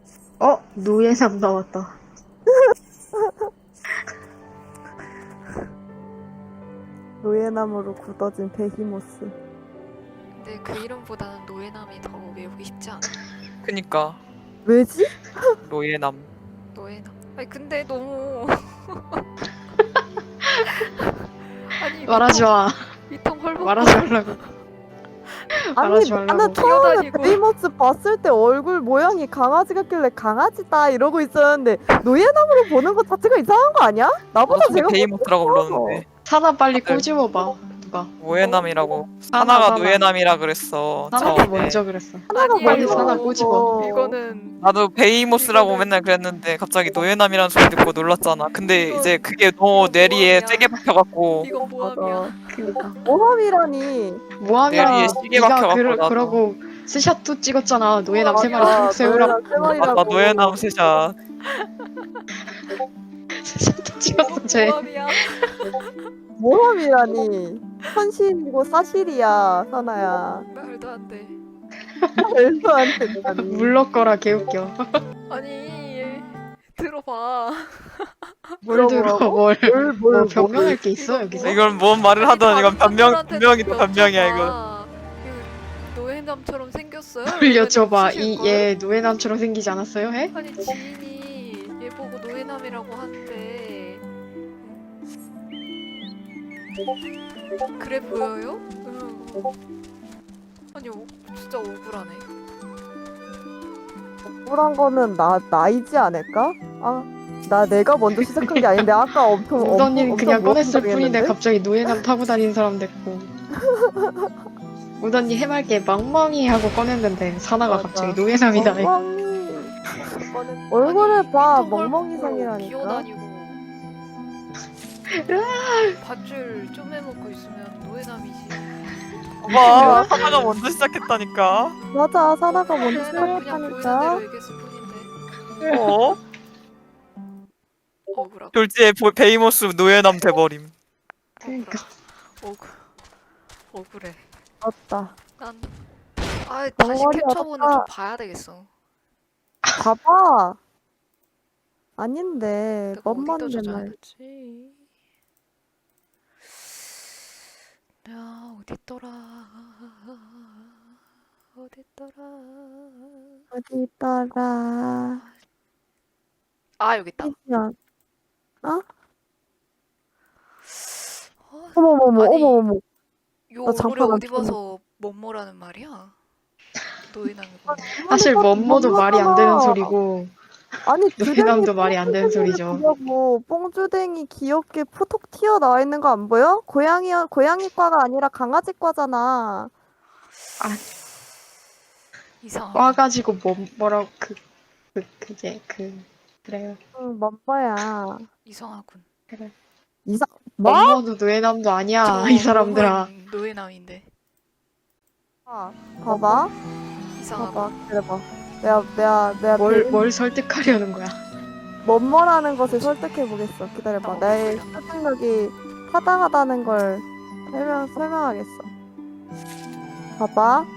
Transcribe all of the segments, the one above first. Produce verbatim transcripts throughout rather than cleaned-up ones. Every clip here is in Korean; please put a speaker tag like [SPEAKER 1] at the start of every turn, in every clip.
[SPEAKER 1] 어? 노예상 나왔다.
[SPEAKER 2] 노예나무로 굳어진 베히모스.
[SPEAKER 3] 근데 그 이름보다는 노예남이 더 외우기 쉽지 않아?
[SPEAKER 4] 그니까
[SPEAKER 2] 왜지?
[SPEAKER 4] 노예남.
[SPEAKER 3] 노예남. 아니 근데 너무 아니
[SPEAKER 1] 말하지 마.
[SPEAKER 3] 위통 헐벗고
[SPEAKER 1] 말하지 말라고.
[SPEAKER 2] 아니
[SPEAKER 1] 말하지 말라고.
[SPEAKER 2] 나는 처음에
[SPEAKER 3] 뛰어다니고.
[SPEAKER 2] 베이모스 봤을 때 얼굴 모양이 강아지 같길래 강아지다 이러고 있었는데 노예나무로 보는 것 자체가 이상한 거 아니야? 나보다 제가
[SPEAKER 4] 베이모스라고 불렀는데
[SPEAKER 1] 사나 빨리
[SPEAKER 4] 다들-
[SPEAKER 1] 꼬집어봐. 누가?
[SPEAKER 4] 노예남이라고.
[SPEAKER 1] 사나,
[SPEAKER 4] 사나가
[SPEAKER 1] 사나.
[SPEAKER 4] 노예남이라 그랬어.
[SPEAKER 1] 사나가
[SPEAKER 4] 처음에.
[SPEAKER 1] 먼저 그랬어.
[SPEAKER 2] 하나가
[SPEAKER 3] 아니에요.
[SPEAKER 1] 빨리
[SPEAKER 2] 먼저
[SPEAKER 1] 사나 꼬집어.
[SPEAKER 3] 이거는
[SPEAKER 4] 나도 베이모스라고
[SPEAKER 3] 이거는-
[SPEAKER 4] 맨날 그랬는데 갑자기 노예남이라는 소리 듣고 놀랐잖아. 근데
[SPEAKER 3] 이건-
[SPEAKER 4] 이제 그게 너무
[SPEAKER 3] 이건
[SPEAKER 4] 뇌리에
[SPEAKER 3] 모함이야.
[SPEAKER 4] 세게 박혀갖고
[SPEAKER 3] 이건 모함이야.
[SPEAKER 1] 그니까.
[SPEAKER 2] 모함이라니.
[SPEAKER 1] 모함이야.
[SPEAKER 4] 내리에 시계
[SPEAKER 1] 네가
[SPEAKER 4] 박혀갖고
[SPEAKER 1] 그러,
[SPEAKER 4] 나도.
[SPEAKER 1] 그러고 스샷도 찍었잖아. 노예남 세
[SPEAKER 2] 맞아,
[SPEAKER 1] 마리 세우라고.
[SPEAKER 2] 노예남 세 마리라고.
[SPEAKER 4] 아까 노예남 세샷.
[SPEAKER 1] 스샷도 찍었어 쟤.
[SPEAKER 3] 모함이야.
[SPEAKER 2] 모함이라니. 현실이고 사실이야 사나야.
[SPEAKER 3] 말도 안 돼.
[SPEAKER 2] 말도 안 된다니.
[SPEAKER 1] 물러거라 개웃겨.
[SPEAKER 3] 아니 들어봐.
[SPEAKER 1] 뭘 들어
[SPEAKER 2] 뭐라고?
[SPEAKER 1] 뭘.
[SPEAKER 2] 뭘, 뭘,
[SPEAKER 1] 뭐 변명할 게 있어 여기서?
[SPEAKER 4] 이건 뭔 말을 하던 이건 변명
[SPEAKER 3] 사람들한테도
[SPEAKER 4] 변명이다 변명이야 이거.
[SPEAKER 3] 여쭤봐. 그 노예남처럼 생겼어요?
[SPEAKER 1] 뭘
[SPEAKER 3] 이러면
[SPEAKER 1] 여쭤봐.
[SPEAKER 3] 쓰실
[SPEAKER 1] 이
[SPEAKER 3] 걸?
[SPEAKER 1] 얘 노예남처럼 생기지 않았어요? 해?
[SPEAKER 3] 아니 지인이 얘 보고 노예남이라고 한대. 그래 보여요? 응. 아니 오, 진짜 억울하네.
[SPEAKER 2] 억울한 거는 나 나이지 않을까? 아, 나 내가 먼저 시작한 게 아닌데 아까 엄청
[SPEAKER 1] 우던이는
[SPEAKER 2] 엄청
[SPEAKER 1] 그냥 꺼냈을 뿐인데
[SPEAKER 2] 모함당했는데?
[SPEAKER 1] 갑자기 노예남 타고 다니는 사람 됐고. 우던이 해맑게 멍멍이 하고 꺼냈는데 사나가
[SPEAKER 2] 맞아.
[SPEAKER 1] 갑자기 노예남이다.
[SPEAKER 2] 멍멍이.
[SPEAKER 3] 이거는
[SPEAKER 2] 얼굴을
[SPEAKER 3] 아니,
[SPEAKER 2] 봐,
[SPEAKER 3] 휘통 헐벗고
[SPEAKER 2] 멍멍이상이라니까.
[SPEAKER 3] 기어다니고 밧줄 쪼매먹고 있으면 노예남이지.
[SPEAKER 4] 봐 하나가 먼저 시작했다니까.
[SPEAKER 2] 맞아, 사나가 먼저
[SPEAKER 3] 그냥 보이는 대로
[SPEAKER 2] 시작했다니까.
[SPEAKER 3] 얘기했을 뿐인데
[SPEAKER 4] 어?
[SPEAKER 3] 억울하고
[SPEAKER 4] 졸지에 보- 베이모스 노예남 돼버림.
[SPEAKER 1] 그러니까.
[SPEAKER 3] 억울 억울해.
[SPEAKER 2] 맞다.
[SPEAKER 3] 난 아 다시
[SPEAKER 2] 멍멍이
[SPEAKER 3] 캡처본을
[SPEAKER 2] 어떡하-
[SPEAKER 3] 좀 봐야 되겠어.
[SPEAKER 2] 봐봐. 아닌데,
[SPEAKER 3] 내가 어디다
[SPEAKER 2] 뻔뻔한 말.
[SPEAKER 3] 저장해놨지? 나 어딨더라 어딨더라.
[SPEAKER 2] 어디 있더라.
[SPEAKER 3] 아 여기 있다.
[SPEAKER 2] 그냥.
[SPEAKER 3] 어,
[SPEAKER 2] 어머머머,
[SPEAKER 3] 아니,
[SPEAKER 2] 어머머머.
[SPEAKER 3] 요
[SPEAKER 2] 나
[SPEAKER 3] 얼굴에
[SPEAKER 2] 잠깐
[SPEAKER 3] 어디
[SPEAKER 2] 멈춰.
[SPEAKER 3] 봐서 뭐뭐라는 말이야? 노예남이 뭐.
[SPEAKER 1] 사실 뭔뭐도 말이 안 되는
[SPEAKER 2] 멍멍하잖아.
[SPEAKER 1] 소리고
[SPEAKER 2] 아니,
[SPEAKER 1] 노예남도 말이 안 되는 소리죠.
[SPEAKER 2] 뭐 뽕주댕이 귀엽게 푸톡 튀어나와 있는 거 안 보여? 고양이 고양이과가 아니라 강아지과잖아.
[SPEAKER 3] 이상하다.
[SPEAKER 1] 와가지고 뭐 뭐라고 그, 그 그게 그 그래요.
[SPEAKER 2] 응, 맘바야.
[SPEAKER 3] 이상하군.
[SPEAKER 1] 그래.
[SPEAKER 2] 이상 뭐?
[SPEAKER 1] 엄마도 노예남도 아니야
[SPEAKER 3] 저
[SPEAKER 1] 이 사람들아.
[SPEAKER 3] 몸은 노예남인데
[SPEAKER 2] 봐봐.
[SPEAKER 3] 이상하고.
[SPEAKER 2] 봐봐. 기다려봐. 내가 내가 내가
[SPEAKER 1] 뭘
[SPEAKER 2] 뭘,
[SPEAKER 1] 뭘 설득하려는 거야?
[SPEAKER 2] 뭐뭐라는 것을 설득해 보겠어. 기다려봐.
[SPEAKER 3] 어,
[SPEAKER 2] 나의
[SPEAKER 3] 그래.
[SPEAKER 2] 설득력이 타당하다는 걸 설명 설명하겠어. 봐봐.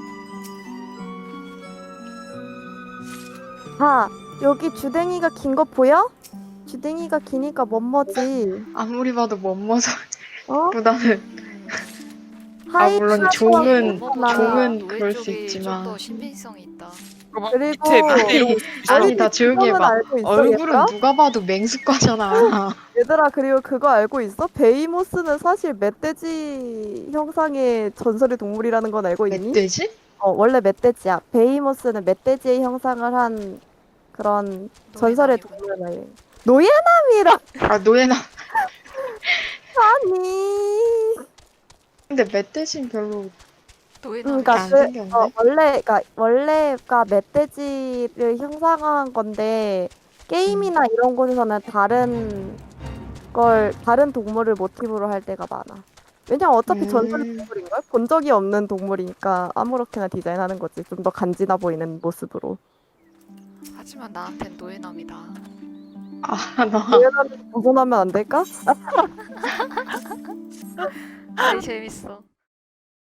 [SPEAKER 2] 봐. 여기 주댕이가 긴 거 보여? 주댕이가 기니까 뭐뭐지.
[SPEAKER 1] 아무리 봐도 멋머서
[SPEAKER 2] 어?
[SPEAKER 1] 보다는 아, 물론
[SPEAKER 2] 하이파이브가
[SPEAKER 1] 종은-
[SPEAKER 2] 있잖아.
[SPEAKER 1] 종은
[SPEAKER 3] 노예
[SPEAKER 1] 그럴 수
[SPEAKER 3] 쪽이
[SPEAKER 1] 있지만.
[SPEAKER 3] 좀더 신빙성이 있다.
[SPEAKER 4] 그거
[SPEAKER 2] 그리고-
[SPEAKER 4] 밑에 밑에 이러고
[SPEAKER 1] 아니 다 조용히
[SPEAKER 2] 그거는
[SPEAKER 1] 해봐.
[SPEAKER 2] 알고 있어,
[SPEAKER 1] 얼굴은
[SPEAKER 2] 얘들아?
[SPEAKER 1] 누가 봐도 맹수과잖아.
[SPEAKER 2] 얘들아, 그리고 그거 알고 있어? 베이모스는 사실 멧돼지 형상의 전설의 동물이라는 건 알고 있니?
[SPEAKER 1] 멧돼지?
[SPEAKER 2] 어, 원래 멧돼지야. 베이모스는 멧돼지의 형상을 한 그런 전설의
[SPEAKER 3] 노예남이군.
[SPEAKER 2] 동물이야. 노예남이라
[SPEAKER 1] 아 노예남.
[SPEAKER 2] 아니.
[SPEAKER 1] 근데 멧돼지는 별로
[SPEAKER 3] 노예남.
[SPEAKER 2] 그러니까
[SPEAKER 1] 안
[SPEAKER 2] 그,
[SPEAKER 1] 생겼네.
[SPEAKER 2] 어, 원래 그러니까 원래가 멧돼지를 형상화한 건데 게임이나 이런 곳에서는 다른 걸 다른 동물을 모티브로 할 때가 많아. 왜냐면 어차피
[SPEAKER 1] 음.
[SPEAKER 2] 전설의 동물인걸? 본 적이 없는 동물이니까 아무렇게나 디자인하는 거지. 좀 더 간지나 보이는 모습으로.
[SPEAKER 3] 하지만 나한텐 노예남이다.
[SPEAKER 1] 아나
[SPEAKER 2] 노예남에서 벗어나면 안 될까?
[SPEAKER 3] 아이 재밌어.